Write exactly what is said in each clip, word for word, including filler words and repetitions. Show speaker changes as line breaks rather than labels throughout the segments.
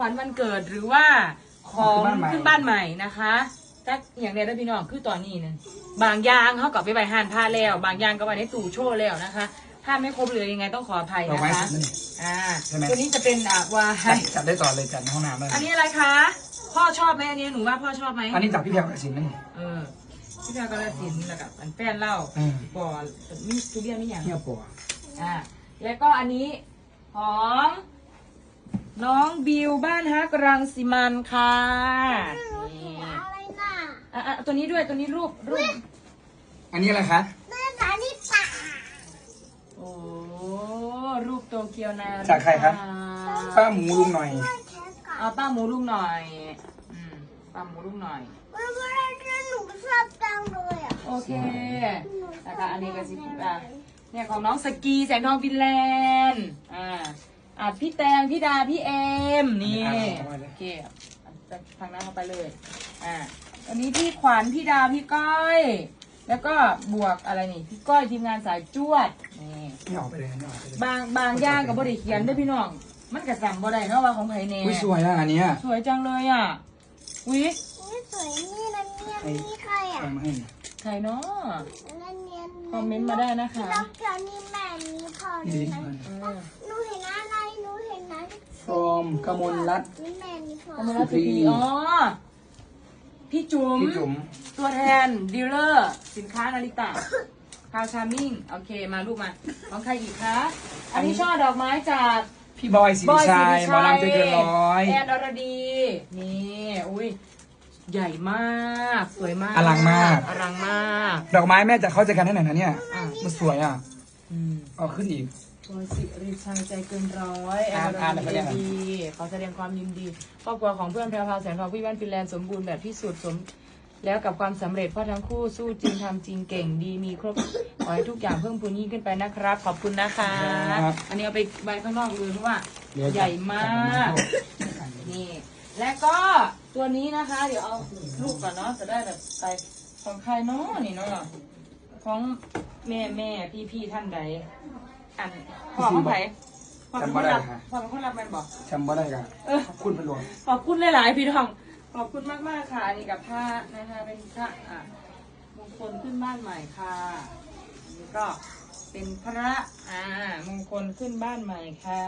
วันวันเกิดหรือว่าของขึ้นบ้านใหม่นะคะถ้าอย่างใดได้พี่น้องคือตอนนี้เนี่ยบางอย่างเขากลับไปใบห่านผ้าแล้วบางอย่างก็ไปในตู้โชว์แล้วนะคะถ้าไม่ครบเลยยังไงต้องขออภัยนะคะอ่าตัวนี้จะเป็นอ่าวา
จัดได้ต่อเลยจัดในห้องน้ำได้
อันนี้อะไรคะพ่อชอบไหมอันนี้หนูว่าพ่อชอบไหม
อันนี้จากพี่แพรวกสินนั่น
เออพี่แพรวกสินแล้วกับอันแป้นเหล้าปอมีทุเรียนนี่อย่าง
เที่ยวปัว
อ่าแล้วก็อันนี้ของน้องบิวบ้านฮักรังสิมันค่ะนี่อะไรน่ะอ่ะตัวนี้ด้วยตัวนี้รูปรูป
อันนี้อะไรคะ
เนื้อสาลิปะ
โอ้รูปโตเกียวนา
จากใครครับป้าหมูลุงหน่อย
เอาป้าหมูลุงหน่อยอืมป้าหมูลุงหน่อย
เวลาเจอหนูชอบจังเลยอ่ะ
โอเคแล้วก็อันนี้ก็สิอ่ะเนี่ยของน้องสกีแสงทองฟินแลนด์อ่าอ่ะพี่แตงพี่ดาพี่เอ็มนี่โอเคทางนั้นเข้าไปเลยอ่าอันนี้พี่ขวัญพี่ดาพี่ก้อยแล้วก็บวกอะไรนี่พี่ก้อยทีมงานสายจวดนี่
ไม่ออกไปเลยไม่ออกไปเลย
บางบางย่างกับบริเขียนด้วยพี่น้องมันกระสังบ่ได้เนาะว่าของไผ่เน่
สวยนะอันนี้
สวยจังเลยอ่ะวิ
นี่สวยนี่นะเนี่ยนี่ใครอ่ะ
ใครเนาะคอมเมนต์มาได้นะคะ
นอกจากนี้แม่มีพอนี่นะหนูเห็นอะไรหนูเห็นนะ
ฟรอมกมลรัตน์
นี่แม่มีพอก
มลรัตน์พีอ๋อพี่จุ๋ม
พี่จุ๋ม
ตัวแทนดีลเลอร์สินค้านาริตะคาวชามิ่งโอเคมาลูกมาของใครอีกคะอันนี้ช่อดอกไม้จาก
พี่บอยสิริชัยหมอลำใจเกินร้อย
แอนอรดีนี่อุ้ยใหญ่มากสวยมาก
อลังมาก
อลังมาก
ดอกไม้แม่จะเข้าใจกันได้ไหนนะเนี่ยมันสวยอ่ะเอาขึ้นอีก
บอยสิริชัยใจเกินร้อยแอนอรดีขอแสดงความยินดีครอบครัวของเพื่อนแพรวพราวแสงทองพี่แว่นฟินแลนด์สมบูรณ์แบบที่สุดสมแล้วกับความสำเร็จเพราะทั้งคู่สู้จริงทำจริงเก่งดีมีครบขอให้ทุกอย่างเพิ่มพูนยิ่งขึ้นไปนะครับขอบคุณนะคะอันนี้เอาไปใบข้างนอกเลยเพราะว่าใหญ่มากนี่และก็ตัวนี้นะคะเดี๋ยวเอาลูกก่อนเนาะจะได้แบบไปของใครเนาะนี่เนาะของแม่แม่พี่พี่ท่านใดอันพ่อของใครพ่อเป็นคนรับพ่อเป็นคนรับมันบอก
จำบ่ได้กันขอบคุณเป็นหลวง
ขอบคุณหลายๆพี่น้องขอบคุณมากมากค่ะอันนี้กับผ้านะคะเป็นผ้าอ่ะมงคลขึ้นบ้านใหม่ค่ะอันนี้ก็เป็นพระอ่ามงคลขึ้นบ้านใหม่ค่ะ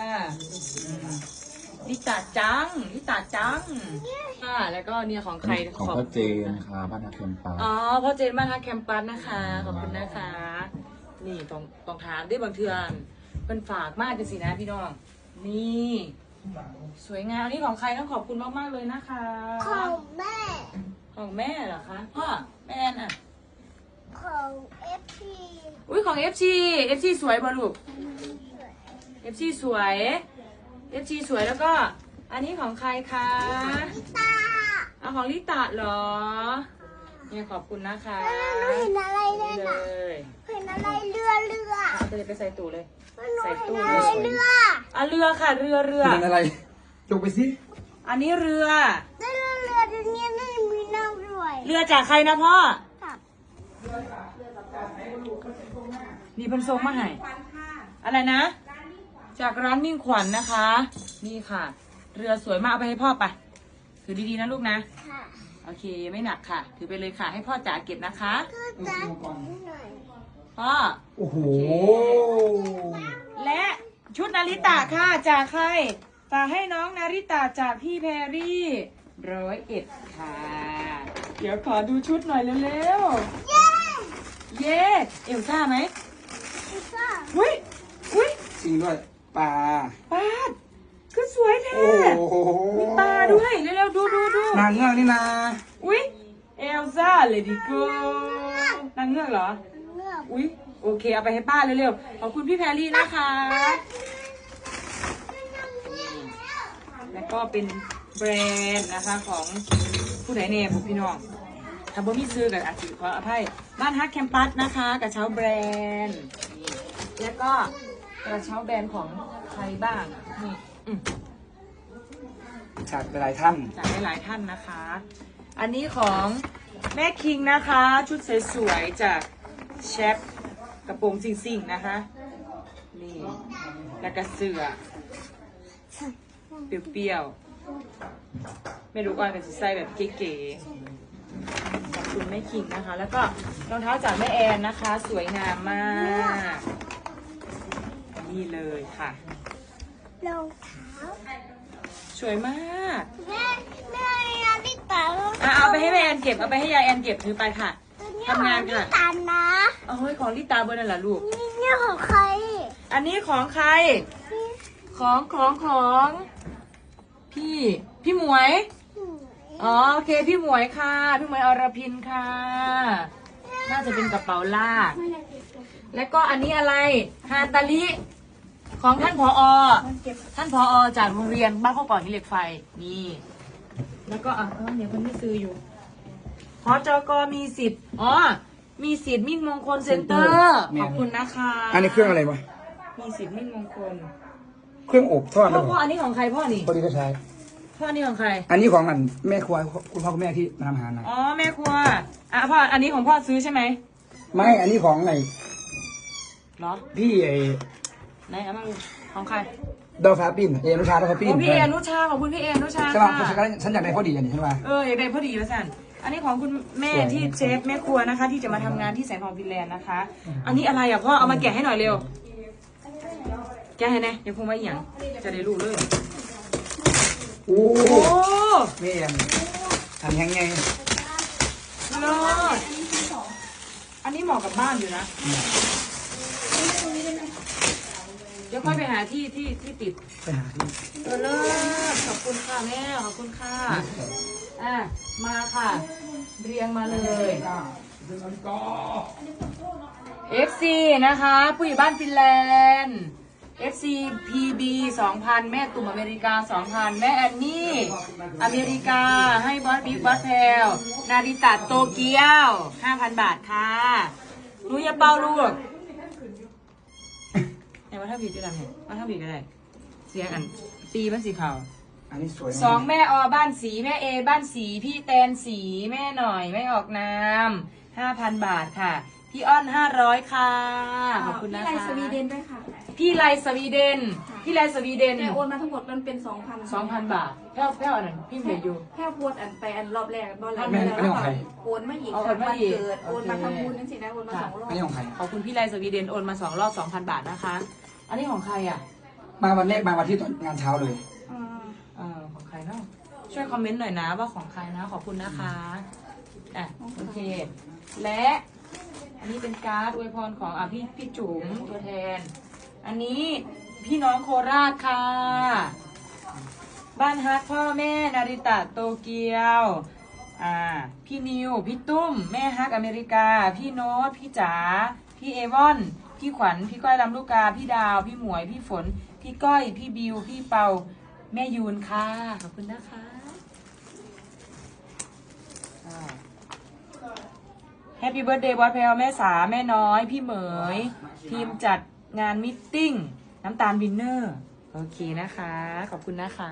ลิตาจังลิตาจังค่ะแล้วก็เนี่ยของใคร
ของพ่อเจนค่ะบ้านฮักแคมปัส
อ๋อพ่อเจนบ้านฮักแคมปัสนะคะขอบคุณนะคะนี่ตรงตรงถามด้วยบางเทือนเป็นฝากมากจริงๆนะพี่น้องนี่สวยงามนี่ของใครต้องขอบคุณมากๆเลยนะคะ
ของแม่
ของแม่เหรอคะพ่อแม่น่ะ
ของเอฟซี
อุ้ยของเอฟซีเอฟซีสวยบ่ลูกเอฟซีสวยเอฟซีสวยแล้วก็อันนี้ของใครคะ
ลิตา
เอาของลิตาเหรอเนี่ยขอบคุณนะคะ
เห็นอะไรเลยนะเห็นอะไรเรือเรือ
จะเลยไปใส่ตู้เลย
ใส่ตู้เลยเรือ
อ่ะเรือค่ะเรือเรือ
เป็นอะไรจกไปสิ
อันนี้เรือ
เรือเรือเรือนี้ไม่มีน้ำด้วย
เรือจากใครนะพ่อนี่เพิ่นส่งมาให้อะไรนะจากร้านมิ่งขวัญ นะคะ นี่ค่ะ เรือสวยมากเอาไปให้พ่อไปถือดีๆนะลูกนะโอเคไม่หนักค่ะถือไปเลยค่ะให้พ่อจ๋าเก็บนะคะพ่อ
โอ้โห
และชุดนาริตะค่ะจากใครฝากให้น้องนาริตะจากพี่แพรรี่ร้อยเอ็ดค่ะเดี๋ยวขอดูชุดหน่อยเร็วๆเย้เย้เอลซ่าไหม
เอลซ่า
อุ้ยอุ้ย
จริงด้วยปลา
ปลาคือสวยแท้มีปลาด้วยเร็วๆดูดูดู
นางเงือกนี่นะ
อุ้ยเอลซ่าเลดี้โก้นางเงือกเหรออุ้ยโอเคเอาไปให้ป้าเร็วๆขอบคุณพี่แพรรี่นะคะแล้วก็เป็นแบรนด์นะคะของผู้ใดเนี่ยผมพี่น้องทำบ่มีซื้อกับอาชีพขออภัยบ้านฮักแคมปัสนะคะกระเช้าแบรนด์แล้วก็กระเช้าแบรนด์ของใครบ้างนี่
จากหลายท่าน
จากหลายท่านนะคะอันนี้ของแม่คิงนะคะชุดสวยๆจากเชฟกระโปรงซิ่งๆนะคะนี่แล้วก็เสื้อเปรี้ยวๆไม่รู้ว่าเป็นใส่แบบเก๋ๆขอบคุณแม่คิงนะคะ แล้วก็รองเท้าจากแม่แอนนะคะ สวยงามมากนี่เลยค่ะ
รองเท้า
สวยมาก
แม่แม่นาฬิกา
อ่ะเอาไปให้แม่แอนเก็บเอาไปให้ยายแอนเก็บถือไปค่ะ ทำงานค่ะ
ตันนะ
เอาเฮ้ยของลิตาเบอร์นั่นแหละลูก
นี่เนี่ยของใคร
อันนี้ของใคร ของของของพี่พี่หมวย อ๋อโอเคพี่หมวยค่ะ พี่หมวยอรพินค่ะ น่าจะเป็นกระเป๋าลากแล้วก็อันนี้อะไรฮาตาลิของท่านผอ ท่านผอจากโรงเรียนบ้านข้าวก่อนหินเหล็กไฟนี่ แล้วก็อ่ะเออเดี๋ยวคนที่ซื้ออยู่หอจกมีสิทธิ์อ๋อมีสิทธิ์มิ่งมงคลเซ็นเตอร์ขอบคุณนะคะ
อันนี้เครื่องอะไรวะ
มีสิทธิ์มิ่งมงคล
เครื่องอบทอดห
พ่
รือ อเป
พ่อ
ล่า
อันนี้ของใครพ่อนี่
พอดีก็ใช้
พ่อนี่ของใคร
อันนี้ของอันแม่ครัวคุณพ่อคุณแม่ที่มาทำอาหารนะ
อ๋อแม่ครัวอ่ะพ่ออันนี้ของพ่อซื้อใช่ไหม
ไม่อันนี้ของไอ้
เหรอ
พี่ไอ้
ไหนเอามาดูของใคร
ดอฟ้าปิ้นเอ็นุชาดอฟ้าปิ้น
โอ้พี่เอนุชาขอบคุณพี่เอนุชา
ใช่ป่ะ
ค่ะ
ฉันฉันอยากได้พอดีอันนี้ใช่ป่ะ
เอออยากได้พอดีแล้วสันอันนี้ของคุณแม่ที่เชฟแม่ครัวนะคะ ที่จะมาทำงานที่แสงทองฟินแลนด์นะคะ อันนี้อะไรอ่ะพ่อเอามาแกะให้หน่อยเร็วแกะให้แน่ยังคงไม่หยังจะได้รู้เลย
โอ้
โอ้
แม่อันอันยังไง
เลิศอันนี้เหมาะกับบ้านอยู่นะเดี๋ยวค่อยไปหาที่ที่ที่ติด
ไปหาที่
เออเลิศขอบคุณค่ะแม่ขอบคุณค่ะอ่ะมาค่ะ เรียงมาเลย เอฟ ซี นะคะผู้ใหญ่บ้านฟินแลนด์ เอฟ ซี พี บี สองพัน แม่ตุ่มอเมริกา สองพัน แม่แอนนี่ อเมริกา ให้บอสบิ๊กบอสแพลนาริตะโตเกียว ห้าพัน บาทค่ะหนูอย่าเป่าลูกไหนว่าถ้าผิดจะทำไงว่าถ้าผิดก็ได้เสียงอันตีมันสีขาว
อันนี้สวย
สองแม่ออบ้านสีแม่เอบ้านสีพี่แตนสีแม่หน่อยไม่ออกนามห้าพันบาทค่ะ พี่อ้อนห้าร้อยค่ะขอบคุณนะคะ
พี่ไลสวีเดนด้วยค่ะ
พี่ไลสวีเดนพี่ไลสวีเดน
แต่โอนมาทั้งหมดมันเป็นสองพัน
สองพันบาทแพ้วแพ้วอันนั้นพี่เหลืออยู่
แค่โอนอันไปอันรอบแรกรอบแรก
แม่อันนี้ของใคร
โอนมาอีก
เอา
ค่ะ
โอนมา
วัน
อีก
เกิดโอนมา
โอเค
ทำบุญนั่นสินะโอนมาสองรอบ
อันนี้ของใคร
ขอบคุณพี่ไลสวีเดนโอนมาสองรอบสองพันบาทนะคะ อันนี้ของใครอ่ะ
มาวันแรกมาวันที่ตอนงานเช้าเลย
อ่า
เออของใครเนาะช่วยคอมเมนต์หน่อยนะว่าของใครนะขอบคุณนะคะอ่ะโอเค และอันนี้เป็นการ์ดอวยพรของอ่ะพี่พี่จุ๋มตัวแทน อันนี้พี่น้องโคราชค่ะ บ้านฮักพ่อแม่นาริตะโตเกียวอ่าพี่นิวพี่ตุ้มแม่ฮักอเมริกา พี่โน้ตพี่จ๋าพี่เอวอนพี่ขวัญพี่ก้อยลำลูกกา พี่ดาวพี่หมวยพี่ฝน พี่ก้อยพี่บิวพี่เปาแม่ยูนค่ะขอบคุณนะคะแฮปปี้เบิร์ดเดย์บอสเพลแม่สาแม่น้อยพี่เหมย ทีมจัดงานมิทติ้งน้ำตาลวินเนอร์โอเคนะคะ ขอบคุณนะคะ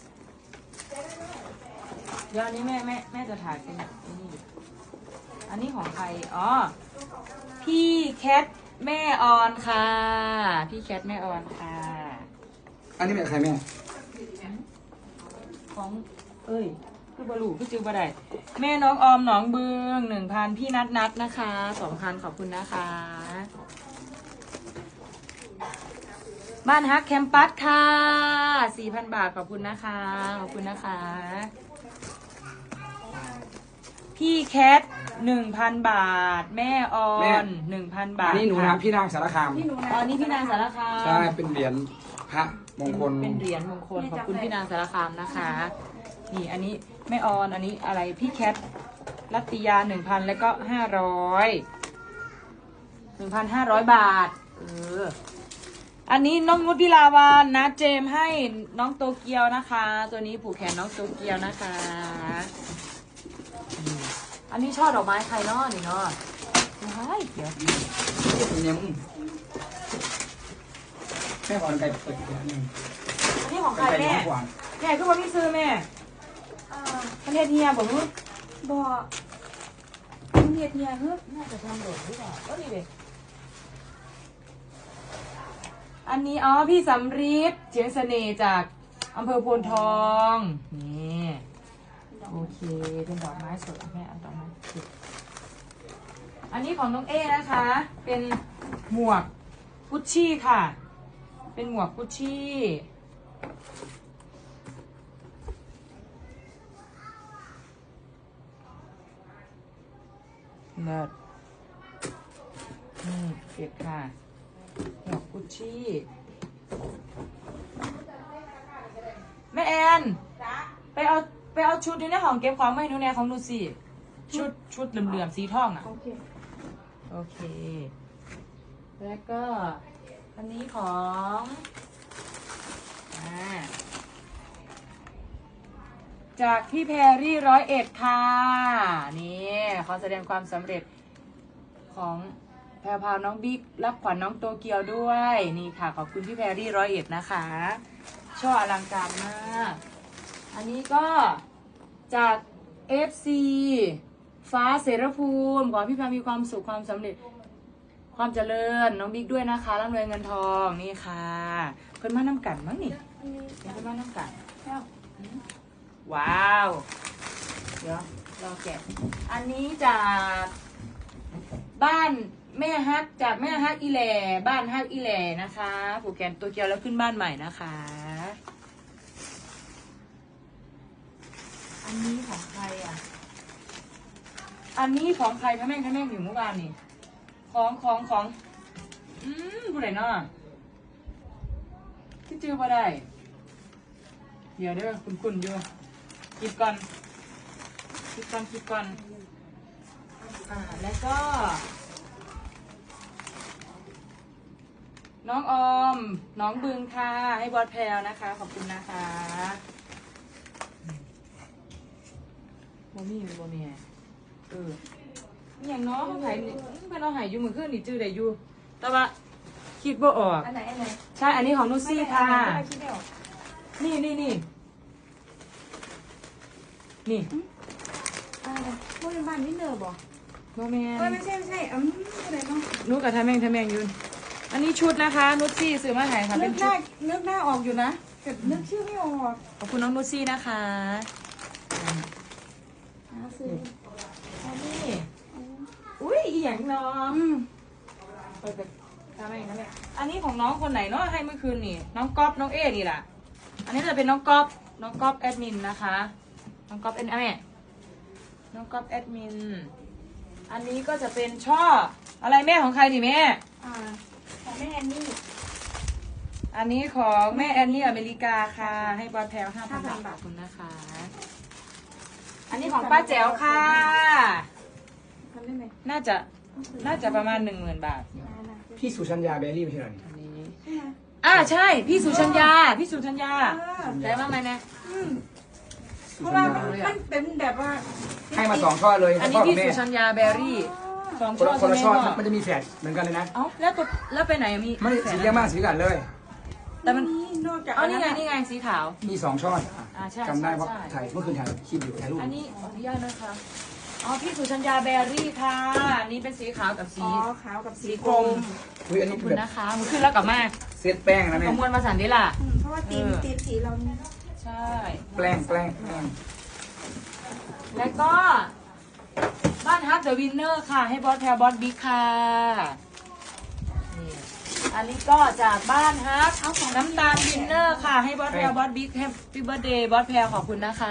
เดี๋ยวอันนี้แม่แม่แม่จะถ่ายเป็นแบบนี้อันนี้ของใครอ๋อพี่แคทแม่ออนค่ะ พี่แคทแม่ออนค่ะ
อันนี้เป็นใครแม่
ของเอ้ยคือบลูคือจือบะได้แม่น้องออมหนองบึงหนึ่งพันพี่นัดนัดนะคะสองพันขอบคุณนะคะบ้านฮักแคมปัสค่ะสี่พันบาทขอบคุณนะคะขอบคุณนะคะพี่แคทหนึ่งพันบาท แม่ออนหนึ่งพันบา
อั
ท
นนี้หนูนะพี่นางสารคาม
พี่หนูนะ
อ๋อนี่พี่นางสารคาม
ใช่เป็นเหรียญพระมงคล
เป็นเหรียญมงคลขอบคุณพี่นางสารคามนะคะ นี่อันนี้แม่ออนอันนี้อะไรพี่แคทรัตติยาหนึ่งพันแล้วก็ห้าร้อยหนึ่งพันห้าร้อยบาทเอออันนี้น้องนุชพิลาวานนะเจมให้น้องโตเกียวนะคะ ตัวนี้ผูกแขนน้องโตเกียวนะคะอืมอันนี้ช่อดอกไม้ใครเนาะนี่เนาะว้ายเดี๋ยว
เนี่ยมึงแม่ก่อนไก่เปิดอีกแล้วนึง
อันนี้ของใคร
ไก่
แม่
น้อยกว่า
แม่คือว่าพี่ซื้อแม่
อ่า
ประเทศเฮียบอกว่า
บ่มันเฮ็ดเนี่ยเฮ้ย
น่าจะทำโหลดหรือเปล่าก็ดีเลยอันนี้อ๋อพี่สำริดเฉียงเสน่ห์จากอำเภอโพนทอง นี่ โอเค เป็นดอกไม้สดแม่เอาดอกไม้สดอันนี้ของน้องเอนะคะ เป็นหมวกกุชชี่ค่ะ เป็นหมวกกุชชี่เลิศนี่เก็บค่ะ หมวกกุชชี่ แม่แอนไปเอาไปเอาชุดนี้ในห้องเก็บของมาให้หนูแน่ของหนูสิชุดชุดเหลื่อมๆสีทองอ่ะ
โอเค
โอเค แล้วก็อันนี้ของอ่าจากพี่แพรรี่ร้อยเอ็ดค่ะ นี่ขอแสดงความสำเร็จของแพรพาวน้องบิ๊กรับขวัญน้องโตเกียวด้วย นี่ค่ะ ขอบคุณพี่แพรรี่ร้อยเอ็ดนะคะช่ออลังการมาก อันนี้ก็จาก เอฟ ซี ฟ้าเสรภูมิขอให้พี่แพรมีความสุขความสำเร็จความเจริญน้องบิ๊กด้วยนะคะร่ำรวยเงินทองนี่ค่ะเพิ่นมาน้ำกันมั้งนี่เพิ่นมาน้ำกันว้าวเดี๋ยวรอแกะอันนี้จากบ้านแม่ฮักจากแม่ฮักอีแหล่บ้านฮักอีแหล่นะคะผูกแขนตัวเกียวแล้วขึ้นบ้านใหม่นะคะอันนี้ของใครอ่ะอันนี้ของใครคะแม่คะแม่อยู่เมื่อวานนี่ของของของอืมผู้ใดเนาะที่จื้อบ่ได้เดี๋ยวเด้อคุณคุณอยู่คิดก่อนคิดก่อนคิดก่อนอ่าแล้วก็น้องออมน้องบึงค่ะให้บอสแพลวนะคะขอบคุณนะคะโมมี่โมมี่เอออย่างน้องเขาหายเพื่อนเราหายอยู่เหมือนขึ้นนี่จื้อได้อยู่แต่ว่าคิดบ่ออก
อันไหนอันไหน
ใช่อันนี้ของนุชซี่ค่ะ
ไม่คิดไม่ออก
นี่นี่นี่นี่
อะไรพวกเป็นบ้านนี่เนอร์บอก
โมแมน
เออไม่ใช่ไม่ใช่อืมอะไรเนาะ
นุชกับทาแมงทาแมงอยืนอันนี้ชุดนะคะนุชซี่ซื้อมาให้ค่ะ
นึ
เป็
ก
น
ห
ชุ
น้า
ด
นึกหน้าออกอยู่นะแต่นึกชื่อไม่ออก
ขอบคุณน้องนุชซี่นะคะ
หาซื้อ
อันนี้อุ้ยอีหยังเนาะ
อืม
เปิดทาแมงทาแมงอันนี้ของน้องคนไหนเนาะให้เมื่อคืนนี่น้องก๊อฟน้องเอนี่แหละอันนี้จะเป็นน้องก๊อฟน้องก๊อฟแอดมินนะคะน้องก๊อฟเอ็นแม่น้องก๊อฟแอดมินอันนี้ก็จะเป็นช่ออะไรแม่ของใครนี่แม่
อ่าของแม่แอนนี่
อันนี้ของแม่แอนนี่อเมริกาค่ะ ให้บอลแพลห้าพัน
ห้าพัน
บาท
บาท
ขอบคุณนะคะ อันนี้ของป้าแจ๋วค่ะ
ทำได้ไหม
น่าจะน่าจะประมาณหนึ่งหมื่นบาท
อ่านะ
พี่สุชัญญาเบลลี่ไม่ใช่เหรอนี่
อันนี้
ใช่ไหม
อ่าใช่ พี่สุชัญญา พี่สุชัญญา
เออ
ได้บ้างไหมเนี่ย
อืม
สุ
เพราะ
ชั
ว่า
ญ
มัน
ญา
มันเป็นแบบว่า
ให้มาสองช่อเลย
อัน
พ่
นี้
อกับ
พี่
แม่
สุชัญญาแบรี่สอง
คน
ช่อ
ละคนละ
ใช่
ช่อ
ไหมพ่อ
มันจะมีแฝดเหมือนกันเลยนะ
เอ้าแล้วตัวแล้วไปไหนมี
ไม่
แฝ
สี
ด
เรียกมากสีกันเลย
แต่มัน
นอกจาก
เอานี่ไงนี่ไงสีขาว
มีสองช่อ
อ่าใช่
จำได้เพราะ
ใช่
ถ่ายเมื่อคืนถ่ายคลิปอยู่ถ่ายรูป
อันนี้ขออนุญาตนะคะ อ๋อ พี่สุชัญญาแบรี่ค่ะอันนี้เป็นสีขาวกับสี
อ๋อขาวกับสี
สี
ก
ก
ร
ร
ม
ม
อุ้ยอัน
ขอ
นี้
บคุณ
แบบ
นะคะมันขึ้นแล้วกลับมา
เซตแป้งนะ
ข
เนี่ย
มวลมาสันดิล่ะ
อืมเพราะว่าตีม
เออ
ตีมสีเราเนี่ย
ใช่
แป้งแป้งแป้ง
แล้วก็ บ้านฮักเดอะวินเนอร์ค่ะ ให้บอสแพรบอสบิ๊กค่ะนี่อันนี้ก็จากบ้านฮักน้ำตาลวินเนอร์ค่ะ ให้บอสแพรบอสบิ๊กแฮปปี้เบิร์ดเดย์บอสแพรขอบคุณนะคะ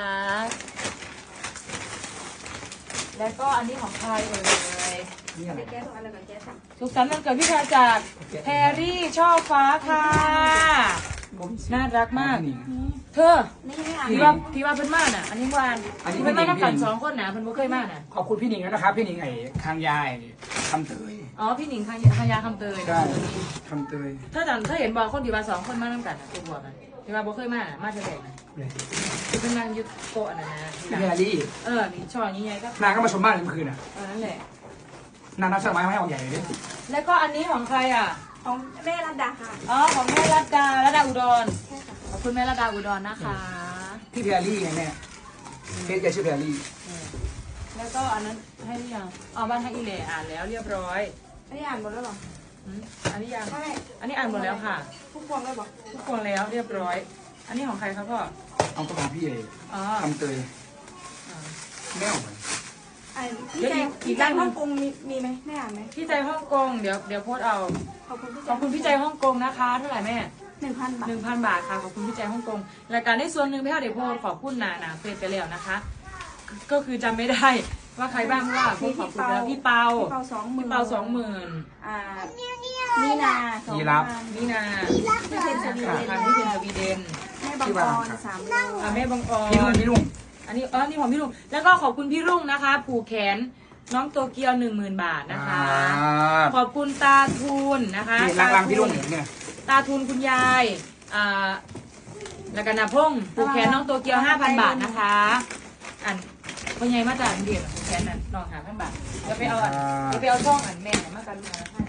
แล้วก็อันนี้ของใครเอ่ย
นี่อะไร
ไปแก้ตัวอะไรกับแก้สั่ง
สุขสันต์วันเกิดพี่แพรจากแพรรี่ช่อฟ้าค่ะ น่ารักมาก เธอ
นี่ไม่อ่าน
ที่ว่าที่ว่าเพิ่นมาน่ะ อันนี้วานที่เพิ่นมาน้ำกันสองคนน่ะเพิ่นบ่เคยมาน่ะ
ขอบคุณพี่หนิงแล้วนะครับพี่หนิงไอ้คางยายคำเตย
อ๋อพี่หนิงคังคังยาคำเตย
ใช่คำเตย
ถ้าจำถ้าเห็นบอกคนที่ว่าสองคนมาน้ำกันน่ะตัวบวกน่ะที่ว่าบ่เคยมาน่ะมาเท่าไหร่น่ะ
เลย
ที่เพิ่นนั่งอยู่โต๊ะน่ะนะ
พี่แพรรี่
เออนี่ช่อนี้ไงก็
นางก็มาชมบ้านเมื่อคืนอ่ะ
เออนั่นแหละ
นางนับช่อไม้มาให้ออกใหญ่เลยดิ
แล้วก็อันนี้ของใครอ่ะ
ของแม่รัตดาค่ะ
อ๋อของแม่รัตดารัตดาอุดร
ใช่ค่ะ
ขอบคุณแม่รัตดาอุดรนะคะ
พี่แพรรี่ไงแม่เพจแกชื่อแพรรี่
แล้วก็อันนั้นให้หรือยังอ๋อบ้านให้อีเหล่อ่านแล้วเรียบร้อย
อันนี้อ่านหมดแล้วเหรอ
อืมอันนี้ยัง
ไม่
อันนี้อ่านหมดแล้วค่ะ
ทุกพวงเลยบอก
ทุกคนแล้วเรียบร้อย
อ
อันนี้ของใครครับพ่อ
เอากระเป๋าพี่เอง
อ๋อ
ทำเตย
อ่า
ไม่เอาไป
ไอ้พี่ใจพี่ใจฮ่องกงมีมีไหมแม่อ่านไหม
พี่ใจฮ่องกงเดี๋ยวเดี๋ยวโพสต์เอา
ขอบคุณพี่
ข
ใจ
อบคุณพี่ใจฮ่องกงนะคะเท่าไหร่แม่
หนึ่งพันบาท
หนึ่งพันบาทค่ะขอบคุณพี่ใจฮ่องกงรายการได้ส่วนหนึ่งพี่เอาเดี๋ยวโพสต์ขอบคุณนานาเฟซไปแล้วนะคะ ก็คือจำไม่ได้ว่าใครบ้างเพราะว่าโพสต์ขอบคุณแล้วพี่เปา
พี่เปาสองหมื่น
พี่เปาสองหมื่น
อ่านี่นาสองพัน
นี่นา
พี่เพนสวี
สาม
เด
พัน
น
พี่เป็นสวีเดน
แม่บางกรสามร้อย
อ่าแม่บังออ
พี่ลุง
น
พี่ลุง
อันนี้อ๋อนี่ของพี่ลุงแล้วก็ขอบคุณพี่รุ่งนะคะ ผูกแขนน้องโตเกียวหนึ่งหมื่นบาทนะคะ
อ่า
ขอบคุณตาทูนนะคะ
นี่ล้างๆพี่ลุงเนี่ย
ตาทูนคุณยายอ่าแล้วก็นาพงษ์ผูกแขนน้องโตเกียวห้าพันบาทนะคะอันพ่อใหญ่มาจากเดียบผูกแขนนั่นน้องหาพันบาทจะไปเอาอันจะไปเอาช่องอันแม่มากันมาให้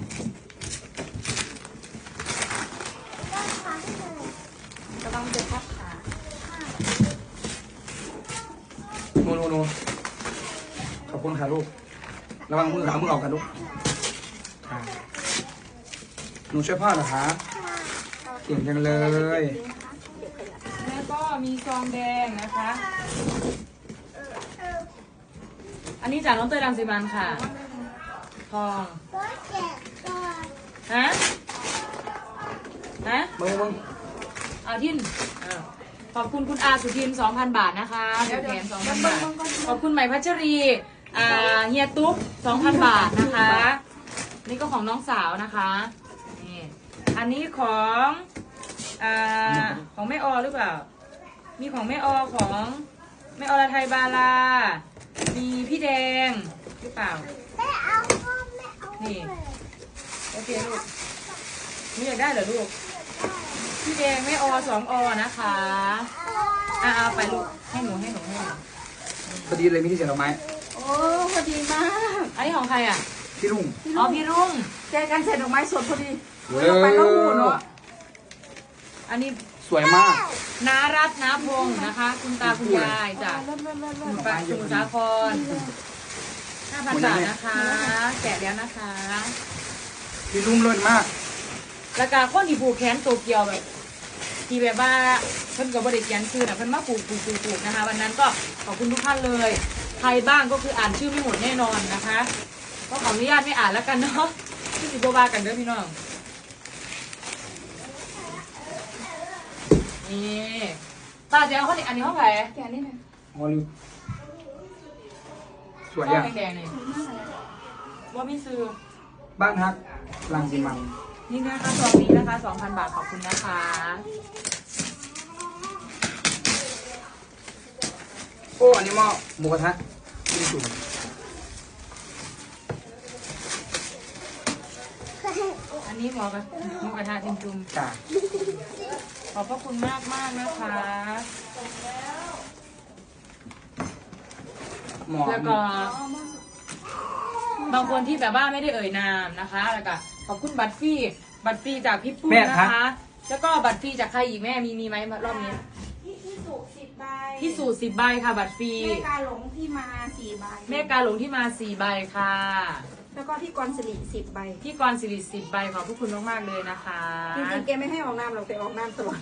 กำลังจะพับขา
โน่โน่โน่ขอบคุณค่ะลูก ระวังมือขามือออกกันลูกค่ะหนูช่วยพ่อเหรอคะเก่งจังเลย
แล้วก็มีซองแดงนะคะ อันนี้จากน้องเตยรังสิมันค่ะทอง
ก็เจ็บก่อน
ฮะฮะ
มึงมึง
เอาทินอ้าวขอบคุณคุณอาสุทินสองพันบาทนะคะผูกแขนสองพันบาทขอบคุณใหม่พัชรีอ่าเฮียตุ๊กสองพันบาทนะคะ นี่ก็ของน้องสาวนะคะนี่อันนี้ของอ่าของแม่ออหรือเปล่า มีของแม่ออของแม่อรไทยบาลา มีพี่แดงหรือเปล่า
ไม่เอาก็ไม่เอา
นี่ โอเคลูกนี่อยากได้เหรอลูก พี่แดงแม่ออสองอนะคะอ่าเอาไปลูกให้หนูให้หนูให้หนู
พอดีเลยมีที่เสียดอกไม้
โอ้พอดีมาก
อันนี้ของใครอ่ะ
พี่ลุง
อ๋อพี่รุ่ง
เจอกันเสร็จดอกไม้สดพอดี
เอ
ลงไปแล้วหูเนาะ
อันนี้
สวยมาก
นารัตน์นาพงศ์นะคะ คุณตาคุณยายจาก
เริ่มเริ่มเริ่ม
ส
เริ่ม
มุทรปราสมุทรสาครห้าพันบาทนะคะ แกะแล้วนะคะ
พี่ลุงเลิศมาก
แล้วก็คนที่ผูกแขนโตเกียวแบบที่แบบว่าเพิ่นกับบริเขียนชื่อนะเพิ่นมาผูกผูกผูกผูกนะคะ วันนั้นก็ขอบคุณทุกท่านเลย ใครบ้างก็คืออ่านชื่อไม่หมดแน่นอนนะคะ ก็ขออนุญาตไม่อ่านแล้วกันเนาะที่สิบวากันเด้อพี่น้องนี่ตาเจ้าเขาเนี่ยอันนี้ห้องไหน
แกนี่นะ
ฮอลลีวูดสวย
ห้อ
อ่ะ
งแดงๆนี่ว่าไม่ซื้อ
บ้านฮักลังสิมัน
นี่นะคะซองนี้นะคะสองพันบาทขอบคุณนะคะ
โอ้อันนี้หม้อหมูกระทะกินจุ่ม
อันนี้หมอกระหมูกระทะจุ่ม
จ้า
ๆขอบพระคุณมากมากๆนะคะ
หมอ
แล้วก็บางคนที่แบบว่าไม่ได้เอ่ยนามนะคะ แล้วก็ขอบคุณบัตรฟรีบัตรฟรีจากพี่ปุ้ยนะคะ แล้วก็บัตรฟรีจากใครอีกแม่มีมีไหมรอบนี้
พี่พี่สุสิบใบ
พี่สูตรสิบใบค่ะ บัตรฟรี
แม่กาหลงที่มาสี่ใบ
แม่กาหลงที่มาสี่ใบค่ะ
แล้วก็พี่กรสิริสิบใบ
พี่กรณ์สิริสิบใบขอบพระคุณมากๆเลยนะคะ
จริงๆแกไม่ให้ออกน้ำหรอกแต่ออกน้ำตลอด